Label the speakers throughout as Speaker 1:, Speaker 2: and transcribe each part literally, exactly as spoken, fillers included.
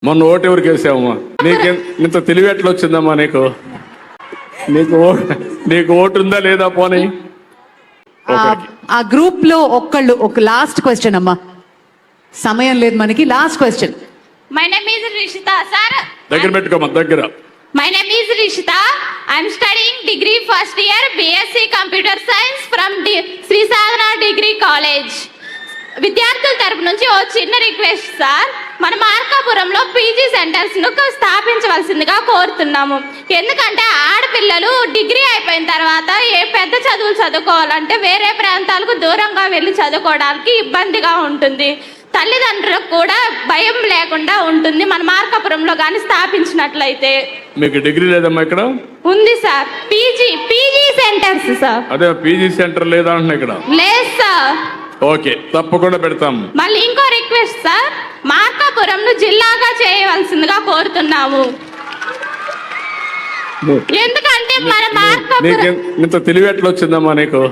Speaker 1: మొన్న ఓటు ఎవరికి వేసావమ్మా? నీకు ఇంత తెలివి ఎట్లా వచ్చిందమ్మా నీకు? నీకు నీకు ఓటు ఉందా లేదా? పోనీ
Speaker 2: ఆ గ్రూప్ లో ఒక్కళ్ళు ఒక లాస్ట్ క్వశ్చన్ అమ్మా, సమయం లేదు మనకి. Last question.
Speaker 3: My name is Rishita sir.
Speaker 1: దగ్గర పెట్టుకోమ్మా, దగ్గర.
Speaker 3: My name is Rishita. I'm studying degree first year BSc computer science from Shri Sadhana degree college. విద్యార్థుల తరపు నుంచి ఓ చిన్న రిక్వెస్ట్ సార్, మన మార్కాపురంలో పీజీ సెంటర్స్ ను స్థాపించవలసిందిగా కోరుతున్నాము. ఎందుకంటే ఆడపిల్లలు డిగ్రీ అయిపోయిన తర్వాత ఏ పెద్ద చదువులు చదువుకోవాలంటే వేరే ప్రాంతాలకు దూరంగా వెళ్ళి చదువుకోవడానికి ఇబ్బందిగా ఉంటుంది. తల్లిదండ్రులకు కూడా భయం లేకుండా ఉంటుంది మన మార్కాపురంలో కానీ స్థాపించినట్లయితే.
Speaker 1: మీకు డిగ్రీ లేదమ్మా ఇక్కడ?
Speaker 3: ఉంది sir. PG PG centres sir.
Speaker 1: అదే పీజీ సెంటర్ లేదా అంటున్నా ఇక్కడ?
Speaker 3: లేదు సార్.
Speaker 1: ఓకే, తప్పకుండా పెడతాం.
Speaker 3: మళ్ళీ ఇంకో రిక్వెస్ట్ సార్, మార్కాపురంను జిల్లాగా చేయవలసిందిగా కోరుతున్నాము. ఎందుకంటే మన మార్కాపురం
Speaker 1: ఇంత తెలివి ఎట్లా వచ్చిందమ్మా నీకు?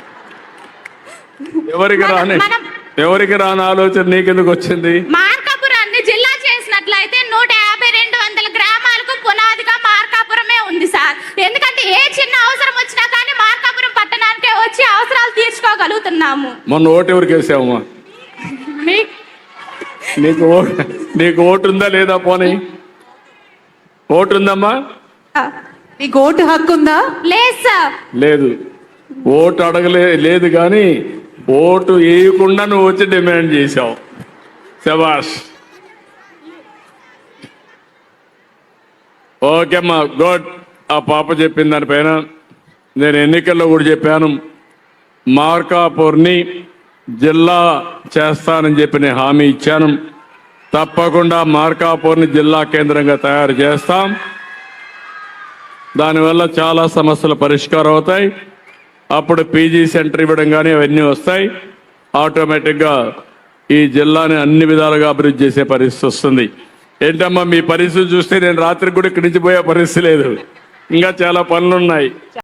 Speaker 1: ఎవరికి రాని ఎవరికి రాని ఆలోచన నీకెందుకు వచ్చింది?
Speaker 3: మార్కాపురాన్ని జిల్లా చేసినట్లయితే నూట యాభై రెండు వందల గ్రామాలకు పునాదిగా మార్కాపురమే ఉంది సార్. ఎందుకంటే ఏ చిన్న అవసరం వచ్చినా కానీ మార్కాపురం పట్టణానికే వచ్చి అవసరాలు తీర్చుకోగలుగుతున్నాము.
Speaker 1: మొన్న ఓటు ఎవరికి వేసావమ్మా? నీకు నీకు ఓటు ఉందా లేదా? పోనీ ఓటు ఉందమ్మా?
Speaker 2: నీకు ఓటు హక్కు ఉందా?
Speaker 3: లేదు సార్.
Speaker 1: లేదు. ఓటు అడగలే లేదు కానీ ఓటు వేయకుండా నువ్వు వచ్చి డిమాండ్ చేశావు. శభాష్. ఓకే అమ్మా, గుడ్. ఆ పాప చెప్పిన దానిపైన నేను ఎన్నికల్లో కూడా చెప్పాను, మార్కాపూర్ని జిల్లా చేస్తానని చెప్పి నేను హామీ ఇచ్చాను. తప్పకుండా మార్కాపూర్ని జిల్లా కేంద్రంగా తయారు చేస్తాం. దానివల్ల చాలా సమస్యలు పరిష్కారం అవుతాయి. అప్పుడు పీజీ సెంటర్ ఇవ్వడం కానీ అవన్నీ వస్తాయి. ఆటోమేటిక్గా ఈ జిల్లాని అన్ని విధాలుగా అభివృద్ధి చేసే పరిస్థితి వస్తుంది. ఏంటమ్మా మీ పరిస్థితి చూస్తే నేను రాత్రికి కూడా ఇక్కడి నుంచి పోయే పరిస్థితి లేదు, ఇంకా చాలా పనులు ఉన్నాయి.